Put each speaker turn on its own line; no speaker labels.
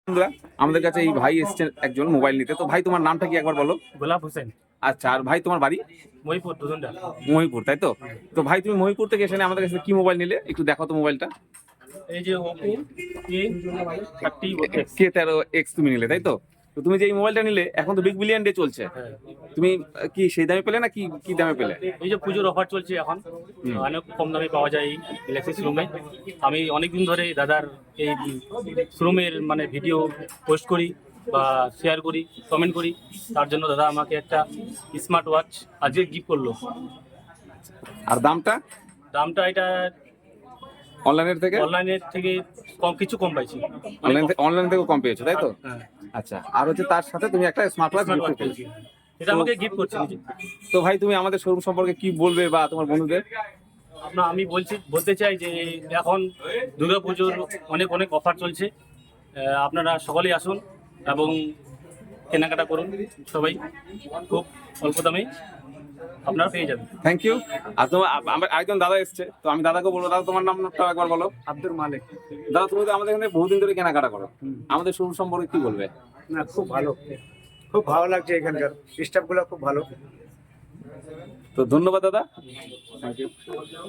বন্ধুরা, আমাদের কাছে এই ভাই এসেছেন একজন মোবাইল নিতে। তো ভাই, তোমার নামটা কি একবার বলো?
গোলাপ হোসেন,
আচ্ছা, আর ভাই তোমার বাড়ি?
মহিপুর দুধনটা।
মহিপুর, তাই তো? তো ভাই, তুমি মহিপুর থেকে এসে আমাদের কাছে কি মোবাইল নিলে একটু দেখো তো মোবাইলটা।
এই যে ওপো A30
K13X তুমি নিলে, তাই তো? তো তুমি যে এই মোবাইলটা নিলে, এখন তো বিগ বিলিয়ন ডে চলছে।
হ্যাঁ,
তুমি কি সেই দামে পেলে না কি কি দামে পেলে?
এই যে পুজোর অফার চলছে এখন,
হুম।
অনেক কম দামে পাওয়া যায় এই গ্যালাক্সি শোরুমে। আমি অনেকদিন ধরে দাদার এই শোরুমের মানে ভিডিও পোস্ট করি বা শেয়ার করি, কমেন্ট করি। তার জন্য দাদা আমাকে একটা স্মার্ট ওয়াচ আজকে গিফট করলো।
আর দামটা?
দামটা এটা
অনলাইনের থেকে?
অনলাইনের থেকে কিছু কম পাইছি।
অনলাইন থেকেও কম পেয়েছো, তাই তো?
হ্যাঁ,
আচ্ছা, আর হচ্ছে তার সাথে তুমি একটা smart watch
smart
gift
watch
পেয়েছো।
পেয়েছি। এটা আমাকে গিফট করছে নিজে।
তো ভাই, তুমি আমাদের শোরুম সম্পর্কে কি বলবে বা তোমার বন্ধুদের?
আমি বলতে চাই যে এখন দুর্গাপুজোর অনেক অনেক অফার চলছে। আপনারা সকলেই আসুন এবং কেনাকাটা করুন। সবাই খুব অল্প দামেই আপনারা পেয়ে যাবেন।
Thank you. আর তোমার আমার আরেকজন দাদা এসছে, তো আমি দাদাকে বলবো, দাদা তোমার নামটা একবার বলো।
আব্দুল মালিক।
দাদা, তুমি তো আমাদের এখানে বহুদিন ধরে কেনাকাটা করো, আমাদের শোরুম সম্পর্কে কি বলবে?
না, খুব ভালো, খুব ভালো লাগছে, এখানকার স্টাফগুলো খুব ভালো।
তো ধন্যবাদ দাদা। Thank you.